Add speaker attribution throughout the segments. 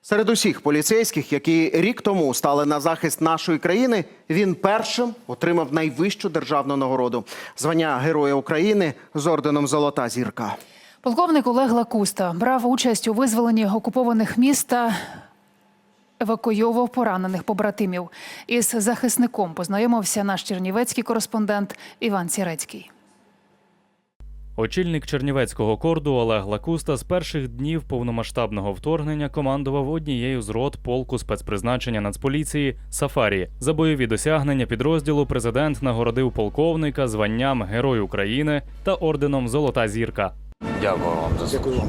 Speaker 1: Серед усіх поліцейських, які рік тому стали на захист нашої країни, він першим отримав найвищу державну нагороду – звання Героя України з орденом «Золота зірка».
Speaker 2: Полковник Олег Лакуста брав участь у визволенні окупованих міст та евакуйовував поранених побратимів. Із захисником познайомився наш чернівецький кореспондент Іван Сірецький.
Speaker 3: Очільник Чернівецького корду Олег Лакуста з перших днів повномасштабного вторгнення командував однією з рот полку спецпризначення Нацполіції «Сафарі». За бойові досягнення підрозділу президент нагородив полковника званням Герой України та орденом «Золота зірка».
Speaker 4: Дякую вам за це.
Speaker 5: Дякую вам.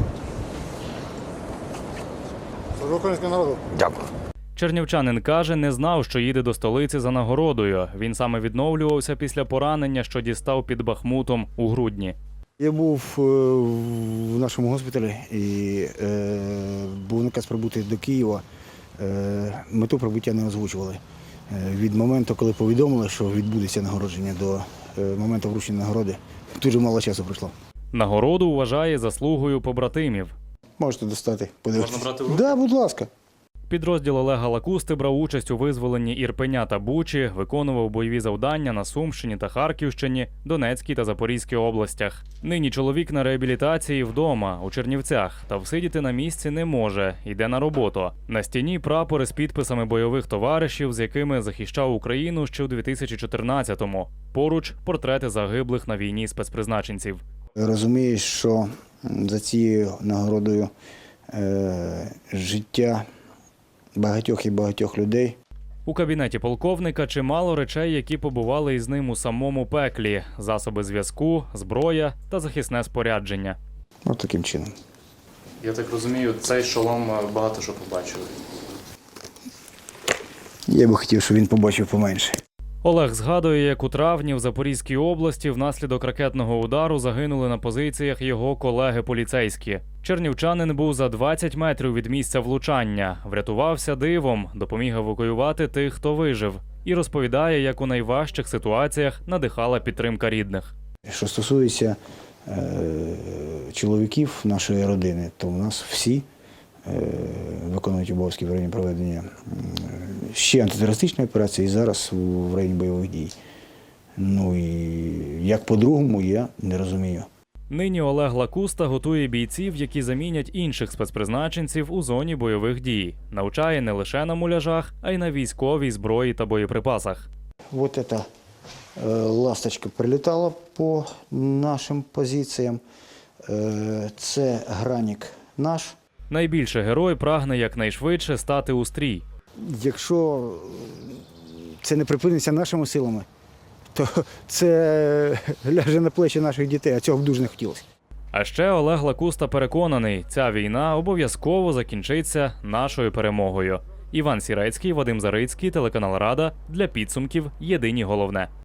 Speaker 5: Служу українському народу.
Speaker 4: Дякую.
Speaker 3: Чернівчанин каже, не знав, що їде до столиці за нагородою. Він саме відновлювався після поранення, що дістав під Бахмутом у грудні.
Speaker 5: Я був в нашому госпіталі і був наказ прибути до Києва. Мету прибуття не озвучували. Від моменту, коли повідомили, що відбудеться нагородження, до моменту вручення нагороди, дуже мало часу пройшло.
Speaker 3: Нагороду вважає заслугою побратимів.
Speaker 5: Можете достати, подивитися.
Speaker 3: Можна брати в руки?
Speaker 5: Так, будь ласка.
Speaker 3: Підрозділ Олега Лакусти брав участь у визволенні Ірпеня та Бучі, виконував бойові завдання на Сумщині та Харківщині, Донецькій та Запорізькій областях. Нині чоловік на реабілітації вдома, у Чернівцях, та всидіти на місці не може, йде на роботу. На стіні прапори з підписами бойових товаришів, з якими захищав Україну ще у 2014-му. Поруч портрети загиблих на війні спецпризначенців.
Speaker 5: Розумієш, що за цією нагородою життя багатьох і багатьох людей.
Speaker 3: У кабінеті полковника чимало речей, які побували із ним у самому пеклі – засоби зв'язку, зброя та захисне спорядження.
Speaker 5: Ось таким чином.
Speaker 3: Я так розумію, цей шолом багато що побачили.
Speaker 5: Я би хотів, щоб він побачив поменше.
Speaker 3: Олег згадує, як у травні в Запорізькій області внаслідок ракетного удару загинули на позиціях його колеги-поліцейські. Чернівчанин був за 20 метрів від місця влучання, врятувався дивом, допоміг евакуювати тих, хто вижив. І розповідає, як у найважчих ситуаціях надихала підтримка рідних.
Speaker 5: Що стосується чоловіків нашої родини, то в нас всі виконують обов'язки в районі проведення ще антитерористичної операції і зараз в районі бойових дій. Ну і як по-другому, я не розумію.
Speaker 3: Нині Олег Лакуста готує бійців, які замінять інших спецпризначенців у зоні бойових дій. Навчає не лише на муляжах, а й на військовій зброї та боєприпасах.
Speaker 5: Вот эта ласточка прилітала по нашим позиціям. Це гранік наш.
Speaker 3: Найбільше герой прагне якнайшвидше стати у стрій.
Speaker 5: Якщо це не припиниться нашими силами, то це ляже на плечі наших дітей, а цього б дуже не хотілося.
Speaker 3: А ще Олег Лакуста переконаний, ця війна обов'язково закінчиться нашою перемогою. Іван Сірецький, Вадим Зарицький, телеканал Рада. Для підсумків єдині головне.